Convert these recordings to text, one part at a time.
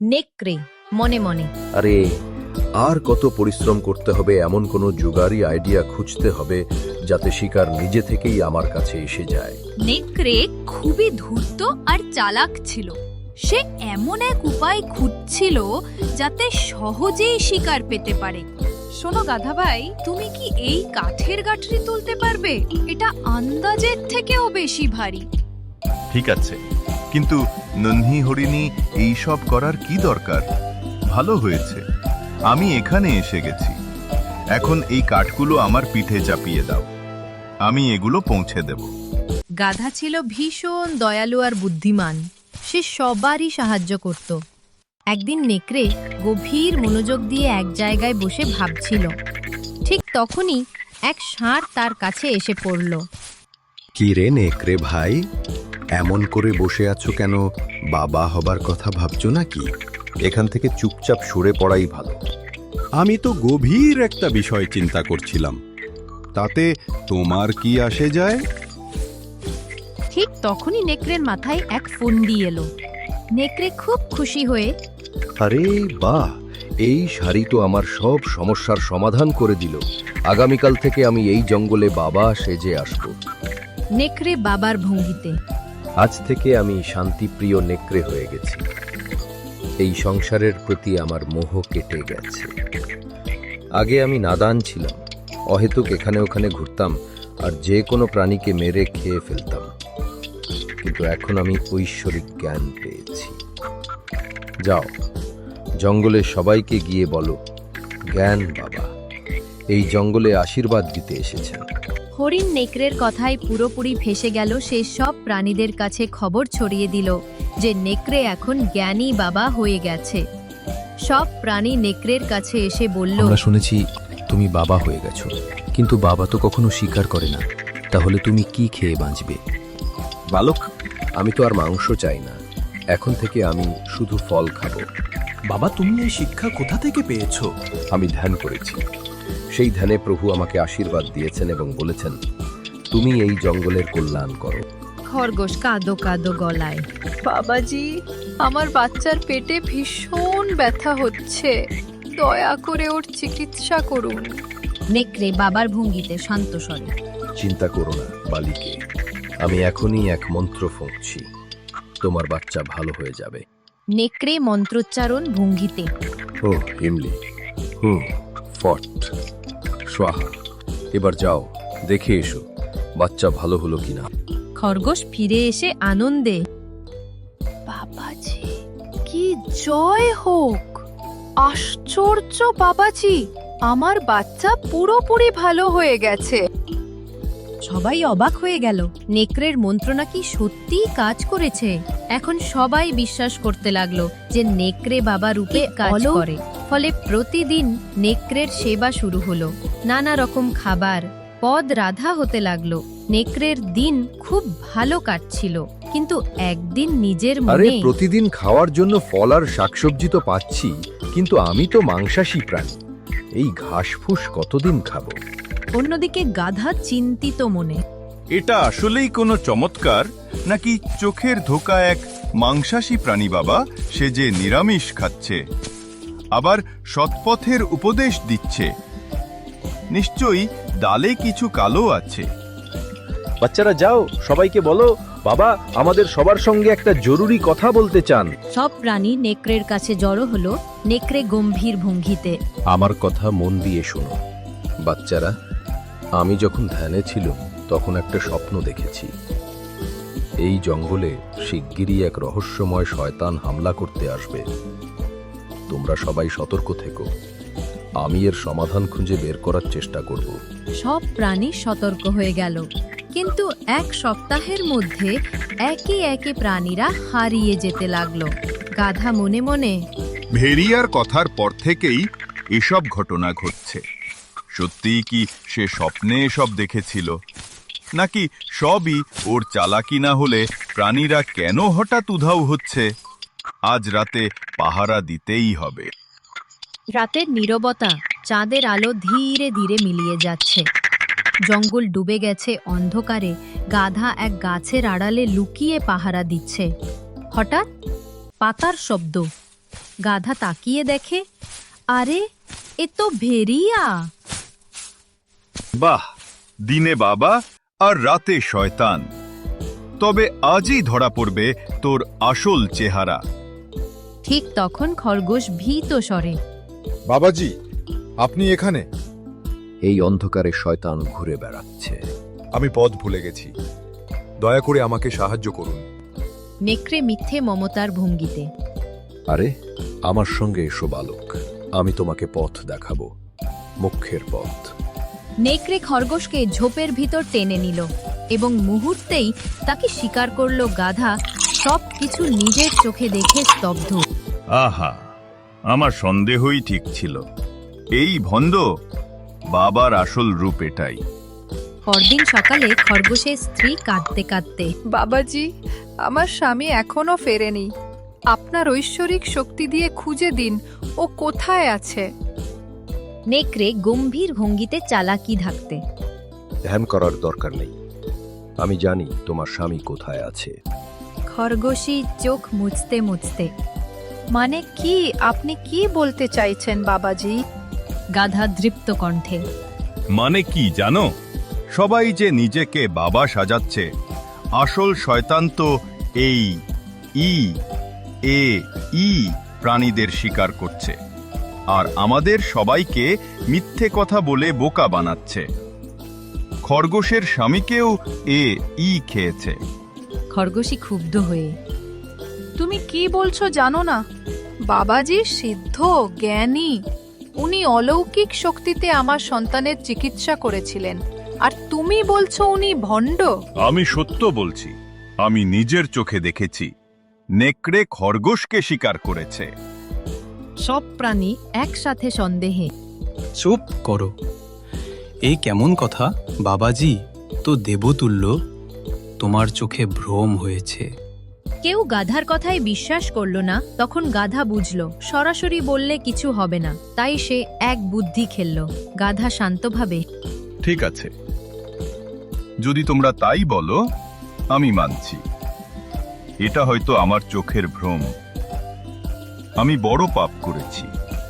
নেকড়ে মনে মনে। আরে আর কত পরিশ্রম করতে হবে, এমন কোনো জুগারি আইডিয়া খুঁজতে হবে যাতে শিকার নিজে থেকেই আমার কাছে এসে যায়। নেকড়ে খুবই ধূর্ত আর চালাক ছিল। সে এমন এক উপায় খুঁজছিল যাতে সহজেই শিকার পেতে পারে। শোনো গাধা ভাই, তুমি কি এই কাঠের গাঠরি তুলতে পারবে? এটা আন্দাজের থেকেও বেশি ভারী। ঠিক আছে, কিন্তু নন্হি হরিণী এইসব করার কি দরকার? ভালো হয়েছে আমি এখানে এসে গেছি। এখন এই কাঠগুলো আমার পিঠে চাপিয়ে দাও, আমি এগুলো পৌঁছে দেব। গাধা ছিল ভীষণ দয়ালু আর বুদ্ধিমান। সে সবারই সাহায্য করত। একদিন নেকড়ে গভীর মনোযোগ দিয়ে এক জায়গায় বসে ভাবছিল। ঠিক তখনই এক ষাঁড় তার কাছে এসে পড়ল। কি রে নেকড়ে ভাই, এমন করে বসে আছো কেন? বাবা হবার কথা ভাবছো নাকি? এখান থেকে চুপচাপ সরে পড়াই ভালো। আমি তো গভীর একটা বিষয় চিন্তা করছিলাম, তাতে তোমার কি আসে যায়? ঠিক তখনই নেকড়ের মাথায় এক ফন্দি এলো। নেকড়ে খুব খুশি হয়ে আরে বাহ, এই শাড়ি তো আমার সব সমস্যার সমাধান করে দিল। আগামীকাল থেকে আমি এই জঙ্গলে বাবা সেজে আসব। নেকড়ে বাবার ভঙ্গিতে। আজ থেকে আমি শান্তিপ্রিয় নেকড়ে হয়ে গেছি। এই সংসারের প্রতি আমার মোহ কেটে গেছে। আগে আমি নাদান ছিলাম, অহেতুক এখানে ওখানে ঘুরতাম আর যে কোনো প্রাণীকে মেরে খেয়ে ফেলতাম। কিন্তু এখন আমি ঐশ্বরিক জ্ঞান পেয়েছি। যাও, জঙ্গলে সবাইকে গিয়ে বলো, জ্ঞান বাবা এই জঙ্গলে আশীর্বাদ দিতে এসেছেন। হরিণ নেকড়ের কথায় পুরোপুরি ফেসে গেল। সে সব প্রাণীদের কাছে খবর ছড়িয়ে দিল যে নেকড়ে এখন জ্ঞানী বাবা হয়ে গেছে। সব প্রাণী নেকড়ের কাছে এসে বলল, আমরা শুনেছি তুমি বাবা হয়ে গেছো, কিন্তু বাবা তো কখনো স্বীকার করে না। তাহলে তুমি কি খেয়ে বাঁচবে? বালক, আমি তো আর মাংস চাই না। এখন থেকে আমি শুধু ফল খাবো। বাবা, তুমি এই শিক্ষা কোথা থেকে পেয়েছো? আমি ধ্যান করেছি। সেই ধ্যানে প্রভু আমাকে আশীর্বাদ দিয়েছেন এবং বলেছেন, তুমি এই জঙ্গলের কল্যাণ করো। খরগোশ কাঁদো কাঁদো গলায়, বাবাজি, আমার বাচ্চার পেটে ভীষণ ব্যথা হচ্ছে, দয়া করে ওর চিকিৎসা করুন। নেকড়ে বাবার ভঙ্গিতে শান্ত স্বরে, চিন্তা করো না বালিকে, আমি এখনই এক মন্ত্র ফুঁকছি, তোমার বাচ্চা ভালো হয়ে যাবে। নেকড়ে মন্ত্রোচ্চারণ ভঙ্গিতে, ও হিমলি, ফট, স্বাহা। এবার যাও, দেখে এসো বাচ্চা ভালো হলো কিনা। খরগোশ ফিরে এসে আনন্দে, বাবাজি, কি জয় হোক! আশ্চর্য বাবাজি, আমার বাচ্চা পুরোপুরি ভালো হয়ে গেছে। সবাই অবাক হয়ে গেল। নেকড়ের মন্ত্র নাকি সত্যিই কাজ করেছে। এখন সবাই বিশ্বাস করতে লাগলো যে নেকড়ে বাবা রূপে কাজ করে। ফলে প্রতিদিন নেকড়ের সেবা শুরু হলো। নানা রকম খাবার, পদ রাধা হতে লাগলো। নেকড়ের দিন খুব ভালো কাটছিল। কিন্তু একদিন নিজের আরে মনে, প্রতিদিন খাওয়ার জন্য ফল আর শাকসবজি তো পাচ্ছি, কিন্তু আমি তো মাংসাশী প্রাণী। এই ঘাসফুস কতদিন খাবো? অন্যদিকে গাধা চিন্তিত মনে, এটা আসলেই কোনো চমৎকার, নাকি চোখের ধোকা এক মাংসাশী প্রাণী বাবা সে যে নিরামিষ খাচ্ছে, আবার সৎপথের উপদেশ দিচ্ছে? নিশ্চয়ই ডালে কিছু কালো আছে। বাচ্চারা যাও, সবাইকে বলো বাবা আমাদের সবার সঙ্গে একটা জরুরি কথা বলতে চান। সব প্রাণী নেকড়ের কাছে জড়ো হলো। নেকড়ে গম্ভীর ভঙ্গিতে, আমার কথা মন দিয়ে শোনো। বাচ্চারা, আমি যখন ধ্যানে ছিলাম তখন একটা স্বপ্ন দেখেছি। এই জঙ্গলে শিগগিরই এক রহস্যময় শয়তান হামলা করতে আসবে। তোমরা সবাই সতর্ক থেকো। আমি এর সমাধান খুঁজে বের করার চেষ্টা করব। সব প্রাণী সতর্ক হয়ে গেল। কিন্তু এক সপ্তাহের মধ্যে একে একে প্রাণীরা হারিয়ে যেতে লাগলো। গাধা মনে মনে, ভেরিয়ার কথার পর থেকেই এসব ঘটনা ঘটছে। সত্যিই কি সে স্বপ্নে এসব দেখেছিল, নাকি সবই ওর চালাকি? না হলে প্রাণীরা কেন হঠাৎ উধাও হচ্ছে? আজ রাতে পাহারা দিতেই হবে। রাতের নীরবতা, চাঁদের আলো ধীরে ধীরে মিলিয়ে যাচ্ছে। জঙ্গল ডুবে গেছে অন্ধকারে। গাধা এক গাছের আড়ালে লুকিয়ে পাহারা দিচ্ছে। হঠাৎ পাতার শব্দ। গাধা তাকিয়ে দেখে, আরে এ তো ভেড়িয়া। বাহ, দিনে বাবা আর রাতে শয়তান। তবে আজই ধরা পড়বে তোর আসল চেহারা। ঠিক তখন খরগোশ ভীত স্বরে, বাবাজি, আপনি এখানে? এই অন্ধকারে শয়তান ঘুরে বেড়াচ্ছে। আমি পথ ভুলে গেছি, দয়া করে আমাকে সাহায্য করুন। নেকড়ে মিথ্যে মমতার ভঙ্গিতে, আরে আমার সঙ্গে এসো বালক, আমি তোমাকে পথ দেখাবো, মুখ্যের পথ। নেকড়ে খরগোশকে ঝোপের ভিতর টেনে নিল এবং মুহূর্তেই তাকে শিকার করল গাধা, সব কিছু নিজের চোখে দেখে স্তব্ধ। আহা, আমার সন্দেহই ঠিক ছিল। এই ভন্ড বাবার আসল রূপ এটাই। পরদিন সকালে খরগোশের স্ত্রী কাঁদতে কাঁদতে, বাবাজি, আমার স্বামী এখনো ফেরেনি। আপনার ঐশ্বরিক শক্তি দিয়ে খুঁজে দিন, ও কোথায় আছে? নেকড়ে গম্ভীর ভঙ্গিতে চালাকি ধাকতে, ধ্যান করার দরকার নেই, আমি জানি তোমার স্বামী কোথায় আছে। খরগোশী চোখ মুছতে মুছতে, মানে কি? আপনি কি বলতে চাইছেন বাবাজি? গাধা দৃপ্ত কণ্ঠে, মানে কি জানো? সবাই যে নিজেকে বাবা সাজাচ্ছে, আসল শয়তান তো এই প্রাণীদের শিকার করছে আর আমাদের সবাইকে মিথ্যে কথা বলে বোকা বানাচ্ছে। খরগোশের স্বামীকেও খেয়েছে। খরগোশী ক্ষুব্ধ হয়ে, তুমি কি বলছো জানো না? বাবাজি সিদ্ধ জ্ঞানী, উনি অলৌকিক শক্তিতে আমার সন্তানের চিকিৎসা করেছিলেন, আর তুমি বলছো উনি ভণ্ড? আমি সত্য বলছি, আমি নিজের চোখে দেখেছি নেকড়ে খরগোশকে শিকার করেছে। সব প্রাণী একসাথে সন্দেহে, চুপ করো, এই কেমন কথা বাবাজি? তো দেবতুল্য, তোমার চোখে ভ্রম হয়েছে। কেউ গাধার কথায় বিশ্বাস করল না। তখন গাধা বুঝল সরাসরি বললে কিছু হবে না, তাই সে এক বুদ্ধি খেলল। গাধা শান্তভাবে, ঠিক আছে, যদি তোমরা তাই বলো আমি মানছি। এটা হয়তো আমার চোখের ভ্রম। আমি বড় পাপ করেছি,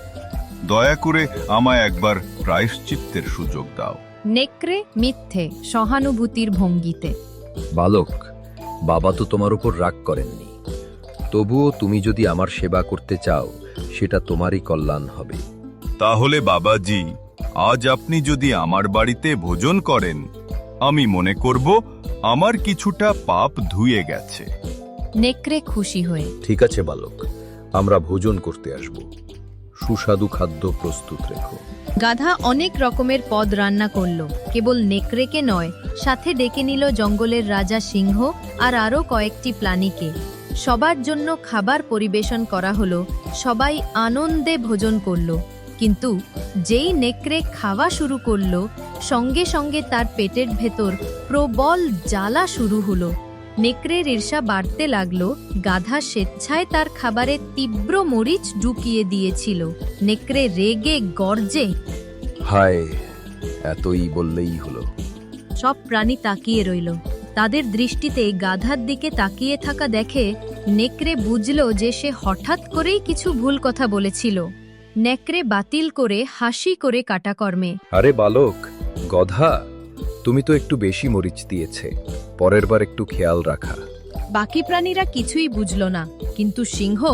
দয়া করে আমায় একবার প্রায়শ্চিত্তের সুযোগ দাও। নেকড়ে মিথ্যে সহানুভূতির ভঙ্গিতে, বালক, বাবা তো তোমার উপর রাগ করেননি, তবুও তুমি যদি আমার সেবা করতে চাও সেটা তোমারই কল্যাণ হবে। তাহলে বাবাজি, আজ আপনি যদি আমার বাড়িতে ভোজন করেন, আমি মনে করব আমার কিছুটা পাপ ধুয়ে গেছে। নেকড়ে খুশি হয়ে, ঠিক আছে বালক, আমরা ভোজন করতে আসব, সুস্বাদু খাদ্য প্রস্তুত রেখো। গাধা অনেক রকমের পদ রান্না করলো, কেবল নেকড়েকে নয়, সাথে ডেকে নিল জঙ্গলের রাজা সিংহ আর আরও কয়েকটি প্রাণীকে। সবার জন্য খাবার পরিবেশন করা হলো, সবাই আনন্দে ভোজন করলো। কিন্তু যেই নেকড়ে খাওয়া শুরু করলো, সঙ্গে সঙ্গে তার পেটের ভেতর প্রবল জ্বালা শুরু হলো। নেকড়ের ঈর্ষা বাড়তে লাগলো। গাধা স্বেচ্ছায় তার খাবারে তীব্র মরিচ ঢুকিয়ে দিয়েছিল। নেকড়ে রেগে গর্জে, হায়, এতই বললেই হলো। সব প্রাণী তাকিয়ে রইল। তাদের দৃষ্টিতে গাধার দিকে তাকিয়ে থাকা দেখে নেকড়ে বুঝল যে সে হঠাৎ করেই কিছু ভুল কথা বলেছিল। নেকড়ে বাতিল করে হাসি করে কাটাকর্মে, আরে বালক, গধা, তুমি তো একটু বেশি মরিচ দিয়েছে, পরের বার একটু খেয়াল রাখা। বাকি প্রাণীরা কিছুই বুঝল না, কিন্তু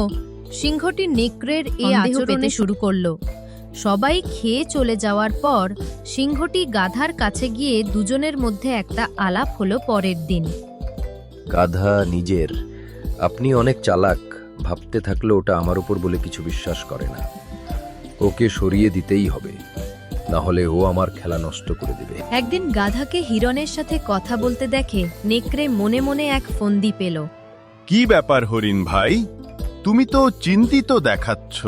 সিংহটি নেকড়ের এই আচরণে শুরু করলো। সবাই খেয়ে চলে যাওয়ার পর সিংহটি গাধার কাছে গিয়ে দুজনের মধ্যে একটা আলাপ হলো। পরের দিন, গাধা নিজের, আপনি অনেক চালাক, ভাবতে থাকলে ওটা আমার উপর বলে কিছু বিশ্বাস করে না। ওকে সরিয়ে দিতেই হবে, না হলে ও আমার খেলা নষ্ট করে দেবে। একদিন গাধাকে হিরণের সাথে কথা বলতে দেখে নেকড়ে মনে মনে এক ফন্দি পেল। কি ব্যাপার হরিণ ভাই, তুমি তো চিন্তিত দেখাচ্ছ।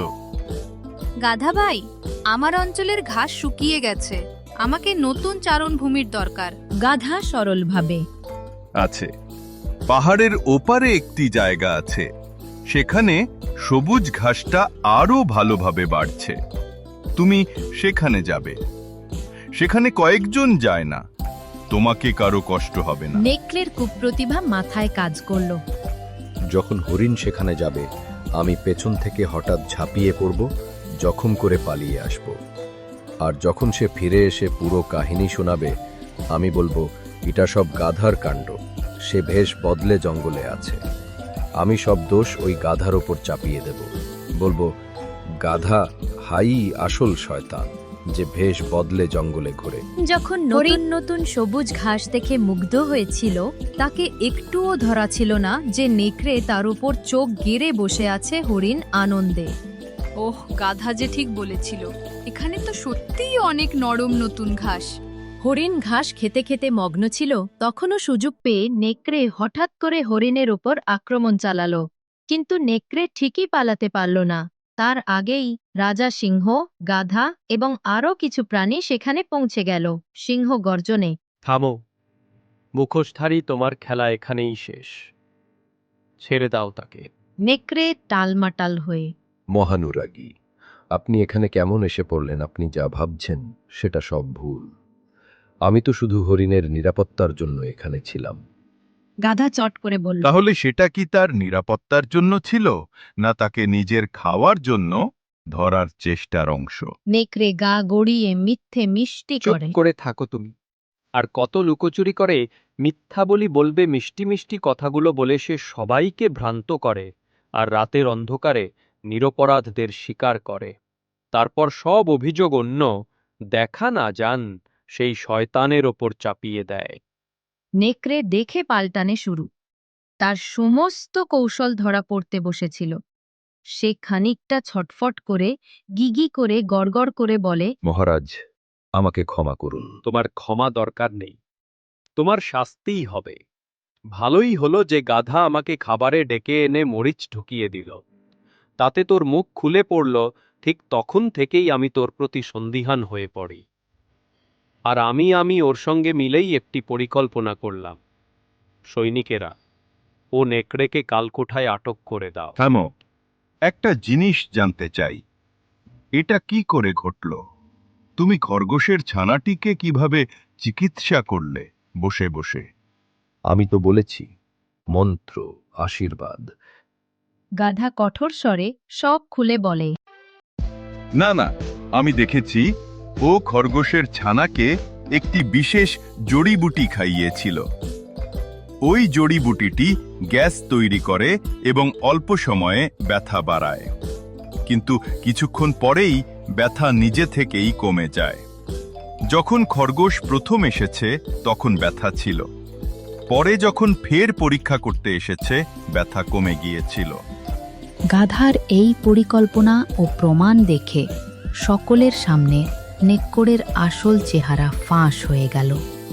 গাধা ভাই, আমার অঞ্চলের ঘাস শুকিয়ে গেছে, আমাকে নতুন চারণভূমির দরকার। গাধা সরলভাবে, আছে, পাহাড়ের ওপারে একটি জায়গা আছে, সেখানে সবুজ ঘাসটা আরো ভালোভাবে বাড়ছে। তুমি সেখানে যাবে, সেখানে কয়েকজন যায় না, তোমাকে কারো কষ্ট হবে না। নেকড়ের কুপ্রতিভা মাথায় কাজ করলো। যখন হরিণ সেখানে যাবে, আমি পেছন থেকে হঠাৎ ঝাঁপিয়ে পড়ব, জখম করে পালিয়ে আসব। আর যখন সে ফিরে এসে পুরো কাহিনী শোনাবে, আমি বলবো এটা সব গাধার কাণ্ড, সে ভেষ বদলে জঙ্গলে আছে। আমি সব দোষ ওই গাধার ওপর চাপিয়ে দেব, বলবো গাধা হাই আসল শয়তান, যে ভেষ বদলে জঙ্গলে ঘোরে। যখন নতুন নতুন সবুজ ঘাস দেখে মুগ্ধ হয়েছিল, তাকে একটুও ধরা ছিল না যে নেকড়ে তার উপর চোখ গেড়ে বসে আছে হরিণ আনন্দে। ওহ, গাধা যে ঠিক বলেছিল, এখানে তো সত্যিই অনেক নরম নতুন ঘাস। হরিণ ঘাস খেতে খেতে মগ্ন ছিল, তখনও সুযোগ পেয়ে নেকড়ে হঠাৎ করে হরিণের ওপর আক্রমণ চালালো। কিন্তু নেকড়ে ঠিকই পালাতে পারল না। তার আগেই রাজা সিংহ, গাধা এবং আরও কিছু প্রাণী সেখানে পৌঁছে গেল। সিংহ গর্জনে, থামো, মুখোশধারী, তোমার খেলা এখানেই শেষ। ছেড়ে দাও তাকে। নেকড়ে টালমাটাল হয়ে, মহানুরাগী, আপনি এখানে কেমন এসে পড়লেন? আপনি যা ভাবছেন সেটা সব ভুল। আমি তো শুধু হরিণের নিরাপত্তার জন্য এখানে ছিলাম। গাধা চট করে বলল, তাহলে সেটা কি তার নিরাপত্তার জন্য ছিল, না তাকে নিজের খাওয়ার জন্য ধরার চেষ্টার অংশ? নেকড়ে গা গড়িয়ে মিথ্যে মিষ্টি চুপ করে। করে থাকো তুমি। আর কত লুকোচুরি করে মিথ্যা বলি বলবে, মিষ্টি মিষ্টি কথাগুলো বলে সে সবাইকে ভ্রান্ত করে, আর রাতের অন্ধকারে নিরপরাধদের শিকার করে। তারপর সব অভিযোগ অন্য দেখা না যান সেই শয়তানের ওপর চাপিয়ে দেয়। নেকড়ে দেখে পাল্টানে শুরু। তার সমস্ত কৌশল ধরা পড়তে বসেছিল। সে খানিকটা ছটফট করে, গিগি করে, গড়গড় করে বলে, মহারাজ, আমাকে ক্ষমা করুন। তোমার ক্ষমা দরকার নেই, তোমার শাস্তিই হবে। ভালোই হলো যে গাধা আমাকে খাবারে ডেকে এনে মরিচ ঢুকিয়ে দিল। তাতে তোর মুখ খুলে পড়ল। ঠিক তখন থেকেই আমি তোর প্রতি সন্দিহান হয়ে পড়ি। আর আমি ওর সঙ্গে মিলেই একটি পরিকল্পনা করলাম। সৈনিকেরা, ও নেকড়েকে কালকোঠায় আটক করে দাও। থামো, একটা জিনিস জানতে চাই, এটা কি করে ঘটল? তুমি খরগোশের ছানাটিকে কিভাবে চিকিৎসা করলে বসে বসে? আমি তো বলেছি, মন্ত্র, আশীর্বাদ। গাধা কঠোর স্বরে সব খুলে বলে, না না, আমি দেখেছি ও খরগোশের ছানাকে একটি বিশেষ জড়িবুটি খাইয়েছিল। ওই জড়িবুটিটি গ্যাস তৈরি করে এবং অল্প সময়ে ব্যথা বাড়ায়, কিন্তু কিছুক্ষণ পরেই ব্যথা নিজে থেকেই কমে যায়। যখন খরগোশ প্রথম এসেছে তখন ব্যথা ছিল, পরে যখন ফের পরীক্ষা করতে এসেছে ব্যথা কমে গিয়েছিল। গাধার এই পরিকল্পনা ও প্রমাণ দেখে সকলের সামনে নেকড়ের আসল চেহারা ফাঁস হয়ে গেল।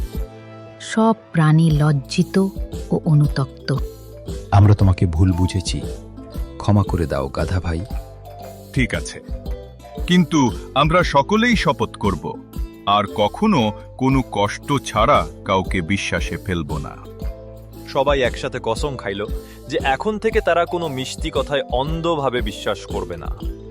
সব প্রাণী লজ্জিত ও অনুতপ্ত। আমরা তোমাকে ভুল বুঝেছি, ক্ষমা করে দাও গাধা ভাই। ঠিক আছে, কিন্তু আমরা সকলেই শপথ করব আর কখনো কোনো কষ্ট ছাড়া কাউকে বিশ্বাসে ফেলব না। সবাই একসাথে কসম খাইল যে এখন থেকে তারা কোনো মিষ্টি কথায় অন্ধভাবে বিশ্বাস করবে না।